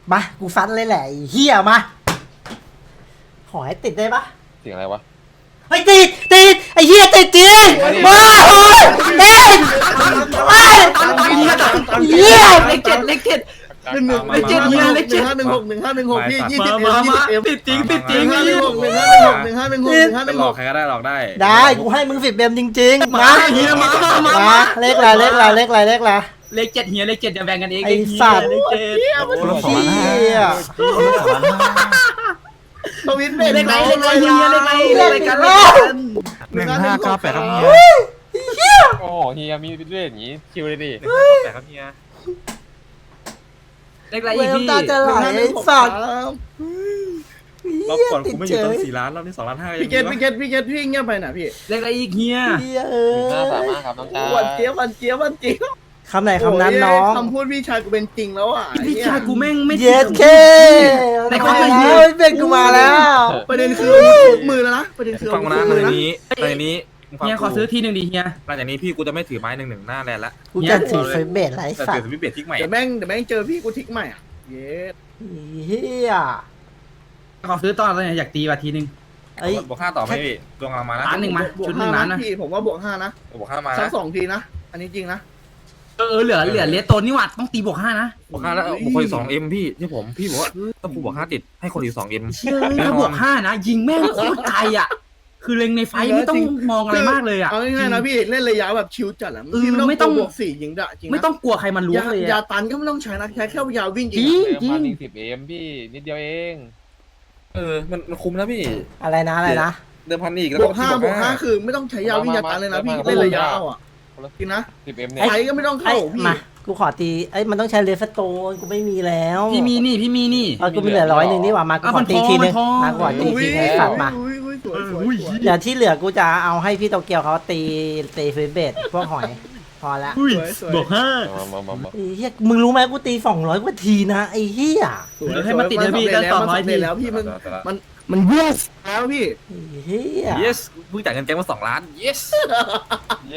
มากูฟันเลยแหละไอ้เฮียมาขอให้ติดได้ปะเสียงอะไรวะเฮ้ยติดไอ้เฮียติดจริงมาโอ้ยติดไอ้เฮียเลขเจ็ดเลขเจ็ดเลขเจ็ดเฮียเลขเจ็ด 1516พี่20 ติดจริงติดจริงไปหลอกใครก็ได้หลอกได้ได้กูให้มึง10 เบมจริงๆมาเฮียมาเลขอะไรเลขเจ็ดเฮียเลขเจ็ดจะแบ่งกันเองไอ้สัตว์เลขเจ็ดคนละ2,500 เฮียทวิตเบเลขไหนเลขไหนเฮียเลขไหนเลขกัน 1598ครับเฮียโอ้เฮียมีเรื่องอย่างงี้คิวเลยดิ 1598ครับเฮียเลขอะไรเวอีกลพี่ตาจะไหลไอ้สัตว์รอบก่อนกูไม่อยู่ตั้ง4 ล้านรอบนี้2 ล้าน 5 พี่เกตพี่เงียบไปนะพี่เลขอะไรอีกเฮียเฮีย 1535ครับน้องชายวันเจี๊ยบคำไหนคำนั้นน้องคำพูดพี่ชายกูเป็นจริงแล้วอ่ะพี่ชายกูแม่งไม่เย็ดเคมาแล้วเป็นกูมาแล้วประเด็นคือมือแล้วนะประเด็นคือฟังนะในนี้เฮียขอซื้อทีหนึ่งดิเฮียหลังจากนี้พี่กูจะไม่ถือไม้1-1หน้าแลนละกูจะถือไฟเบสไรแต่สัตถือว์สวิตช์เบรทิกใหม่เดี๋ยวแม่งเจอพี่กูทิกใหม่อ่ะเย้เฮียขอซื้อตอนอะไรอยากตีว่ะทีหนึ่งไอ้บวก5ต่อไหมพี่ดวงกำลังมานะล้านหนึ่งมาบวชุกดหนึ่งล้านนะพี่ผมว่าบวก5นะบวก5มาสันะก2ทีนะอันนี้จริงนะเหลือเลสโตนนี่หว่าต้องตีบวกห้านะบวก5แล้วบวกคนอีก 2M พี่ที่พี่บอกว่าถ้ากูบวก5ติดให้คนอีก 2M เชื่อถ้าบวกห้านะยิงแม่งโคตรไกลอ่ะคือเล็งในไฟไม่ต้องมองอะไรมากเลยอ่ะเอาง่ายๆนะพี่เล่นระยะแบบชิวจัดอ่ะเออพี่ไม่ไม่ต้ต้ออง งบวก4ยิงดะจริงไม่ต้องกลัวใครมันล้วงเลยยาอะตันก็ไม่ต้องใช้นะใช้แค่ยาวิ่งจจริริงงจริง 10M พี่นิดเดียวเองมันคุ้มนะพี่อะไรนะเดิมพันอีกแล้วบวก5คือไม่ต้องใช้ยาวิ่งยาตันเลยนะพี่เล่นระยะเอาอ่ะจริงนะ 10M เนี่ยไฟก็ไม่ต้องเข้าพี่มากูขอตีไอ้มันต้องใช้เลฟโตนกูไม่มีแล้วพี่มีนี่กูมีเหลือ100นี่หว่ามากูขอตีทีนึงมาก่อนตีทีนึงสัตว์มาสวยเดี๋ยวที่เหลือกูจะเอาให้พี่โตเกียวเขาตีไฟเบสพวกหอยพอละบวกห้ามาไอ้เฮียมึงรู้ไหมกูตี200 กว่าทีนะไอ้เฮียให้มันติดเลยพี่ตั้ง200ทีแล้วพี่มันเยสแล้วพี่ไอ้เฮีย yes เพิ่งจ่ายเงินแก๊งมา2 ล้าน yes เย้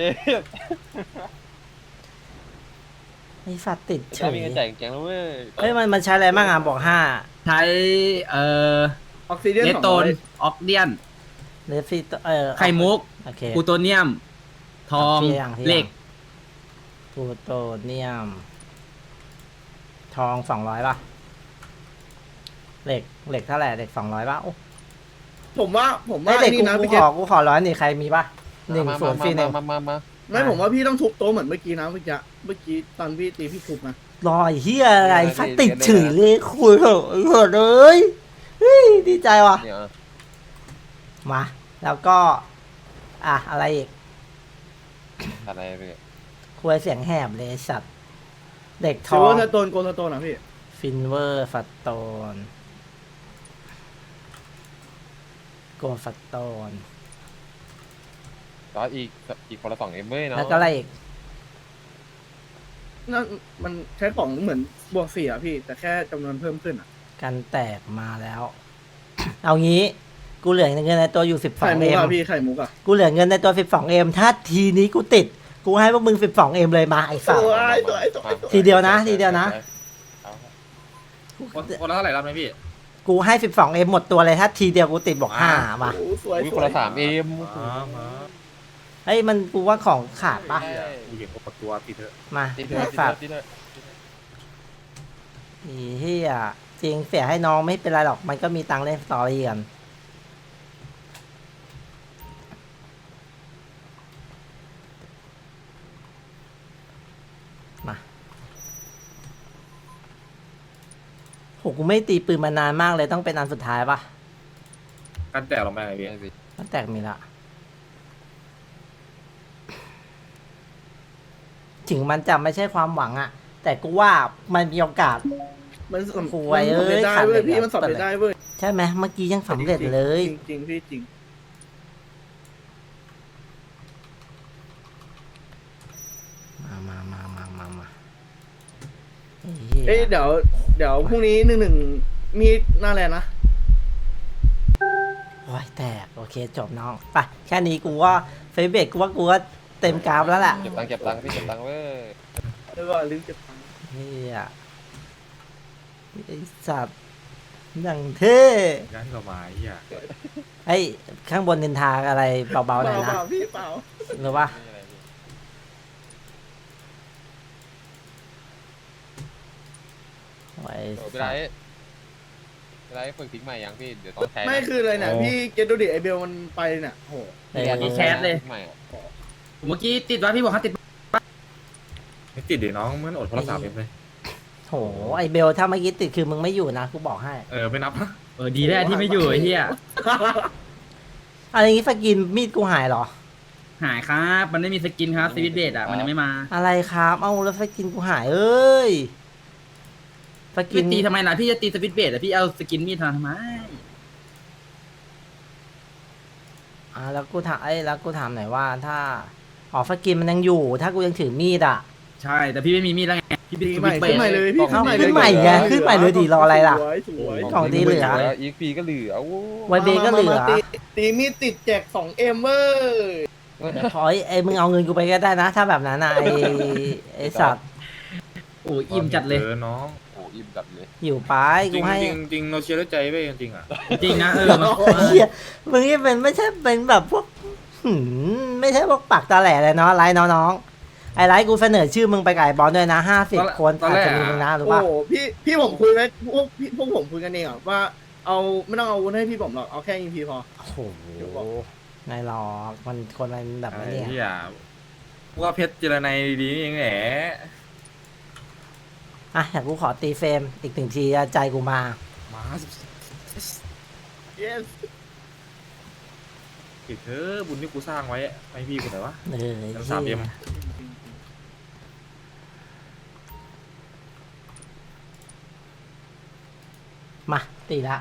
ไอ้สัตว์ติดเฉได้ยมีเงินจ่ายแกงแล้วเว้ยเฮ้ยมันใช้อะไรบ้างอ่ะบอก5 ใช้ออกซิเจนเลสโตนออกเดียนเลฟฟี่ไข่มุกโอเคกูโตเนียม ทองที่ยังเหล็กพลูโตเนียม ทอง200ป่ะเหล็กเท่าไหร่เหล็ก200ป่ะโอ้ผมว่าเหล็กนี่นะกูพี่เกขอ100นี่ใครมีป่ะ1 0 ฟรีหนึ่งมาไม่ผมว่าพี่ต้องทุบโต๊ะเหมือนเมื่อกี้นะเมื่อกี้ตอนพี่ตีพี่ทุบนะรอยเฮียอะไรฟัดติดเฉยเลยคุยเหอะไอ้เหอะเลยเฮ้ยดีใจว่ะเนี่ยมาแล้วก็อะไรอีกอะไรไปคุยเสียงแหบเลยไอ้สัตว์เด็กทซิลอเวอง ร์สโตนโกลสโตนนะพี่ฟินเวอร์ฟัตโตนโกฟัตโตนก็อีกคนละ2Mเว้ยเนาะแล้วก็อะไรอีกนั่นมันใช้ของเหมือนบวก4อ่ะพี่แต่แค่จำนวนเพิ่มขึ้นอ่ะกันแตกมาแล้ว เอางี้กูเหลือเงินในตัวอยู่ไข่มุก 12M อ่ะพี่ไข่มุกอ่ะกูเหลือเงินในตัว 12M ถ้าทีนี้กูติด กูให้พวกมึง 12M เลยมาไอ้สัตว์ ทีเดียวนะคนละเท่าไหร่รับไหมพี่กูให้ 12M หมดตัวเลยถ้าทีเดียวกูติดบอก5มาโอ้สวยคนละ 3M เฮ้ยมันกูว่าของขาดปะกูเห็นปตัวติดเถอะมาที่ไอ้เธสัอตว์ที่เธออีเฮียจริงเสียให้น้องไม่เป็นไรหรอกมันก็มีตังค์เล่นสตอรี่กันมาโหกูไม่ตีปืนมานานมากเลยต้องเป็นอันสุดท้ายปะกันแตกลงไปไงพี่มันแตกมีละถึงมันจะไม่ใช่ความหวังอะแต่กูว่ามันมีโอกาสมันสำโอ้ยเอ้ยได้เว้ยพี่มันสำเร็จได้เว้ยใช่ไหมเมื่อกี้ยังสำเร็จเลยจริงพี่จริงมาเอ้ยเดี๋ยวพรุ่งนี้1-1มีหน้าแลนนะโอ้ยแตกโอเคจบน้องไปแค่นี้กูว่าเฟซเบกกูว่าเต็มกราฟแล้วแหละเก็บตังค์พี่เก็บตังค์เว้ยแล้วก็ลืมเก็บตังค์เฮียไอ้สัตว์อย่างเท่งานที่เรามาไอ้เหี้ยไอ้ข้างบนนินทาอะไรเบาๆหน่อยเปนะล่าพี่เปล่าหรือว่าไม่มีอะไรพี่ไอ้โอ้สัพี่ไรตว์พี่ไรฝึกทิ้งใหม่ยังพี่เดี๋ยวต้องใช้นะไม่คืออะไรเนี่ยพี่เกตดูดิไอเบลมันไปเนี่ยโหเออมีแคสเลยทิ้งใหม่อะเมื่อกี้ติดว่าพี่บอกให้ติดไม่ติดเดี๋ยวน้องมันอดคนละ3Mเลยโหไอ้เบลถ้าเมื่อกี้ติดคือมึงไม่อยู่นะกูบอกให้ไม่นับนะดีแล้วที่ไม่อยู่ไอ้เหี้ยอะไรอย่างงี้สกินมีดกูหายเหรอหายครับมันไม่มีสกินครับสวิตเบดอ่ะมันยังไม่มาอะไรครับเอ้าแล้วสกินกูหายเอ้ยสกิพี่นตีทำไมล่ะพี่จะตีสวิตเบดอ่ะพี่เอาสกินมีดทำไมแล้วกูถามแล้วกูถามหน่อยว่าถ้าสกินมันยังอยู่ ถ้ากูยังถือมีดอ่ะใช่แต่พี่ไม่มีมีดแล้วไงพี่เป็นขึ้สนใหวิม่ตเบขึ้ดนใหม่เลยพี่เอ้าขึ้นใหม่ไงขึ้นใหม่เลยดิรออะไรล่ะสวยสวยของดีเหลือแล้วอีกปีก็เหลือโอ้ไวเบก็เหลือมาตีมีดติดแจก2Mเว้ยขอไอ้มึงเอาเงินกูไปก็ได้นะ ถ้าแบบนั้นนะไอ้สัตว์โอ้อิ่มจัดเลยน้องโหอิ่มจัดเลยอยู่ไปจริกูงให้จริงจริงเราเชียร์ด้วยใจเว้ยจริงๆอ่ะจริงนะเหี้ยมึงนี่เป็นไม่ใช่เป็นแบบพวกไม่ใช่พวกปากตาแหล่เลยเนาะไลน์น้องๆไอ้ไลน์กูเสนอชื่อมึงไปไก่บอลด้วยนะ50 คนอาจจะมีมึงนะหรือโอ้ว่าโหพี่ผมคุยไหมพวกผมคุยกันเองอ่ะว่าเอาไม่ต้องเอาอาวุธให้พี่ผมหรอกเอาแค่ยิงพีพอโอ้โหนายหรอกมันคนมันแบบไอ้นี้เหี้ยว่าเพชรเจรไนดีๆนี่เองแหละอ่ะอยากกูขอตีเฟรมอีก1 ทีใจกูมามา yes ปิดเถอะบุญที่กูสร้างไว้ให้พี่กูหน่อยวะเออยัง3M มาตีละ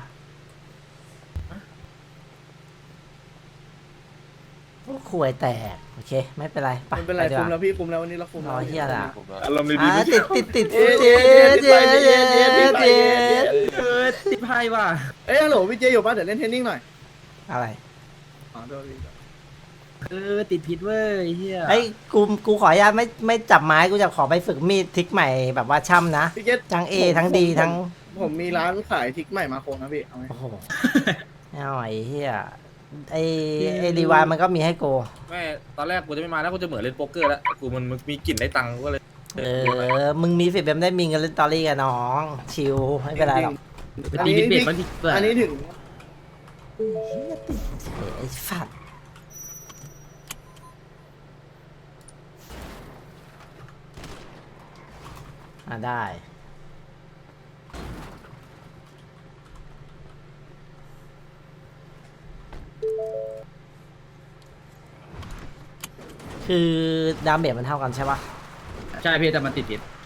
โอ้ขวยแตกโอเคไม่เป็นไรไปไม่เป็นไรดีกคุว่ามแล้วพี่คุมแล้ววันนี้เราคุมรแล้วอเฮียละผมว่าอารมณ์ดีๆไม่ติใช่ดเจ็ดเย้ติดไพ่ว่ะเอ้ยฮัลโหลพี่เจอยู่ป่ะเดี๋ยวเล่นเทนนิ่งหน่อยอะไรอ๋อโทษพี่ติดพิษเว้ยเฮียไอ้ยกูขออนุญาตไม่จับไม้กูจะขอไปฝึกมีดทริกใหม่แบบว่าช่ำนะพี่เจทั้ง A ทั้ง D ทั้งผมมีร้านขายทริกใหม่มาโคนะพี่เอาไหมโอ้โหเอาไอ้เฮียไอ้รีวายมันก็มีให้กูแม่ตอนแรกกูจะไม่มาแล้วกูจะเหมือนเล่นโป๊กเกอร์แล้วกูมันมีกลิ่นได้ตังค์ก็เลยมึงมีสิทธิ์แบบได้มีเงินเล่นตอรี่กับน้องชิลไม่เป็นไรหรอกตีพิษเบดมันติดเปลือกอันนี้ถึงไอ้ฝัดได้ คือดาเมจมันเท่ากันใช่ปะใช่พี่แต่มันติดพิษ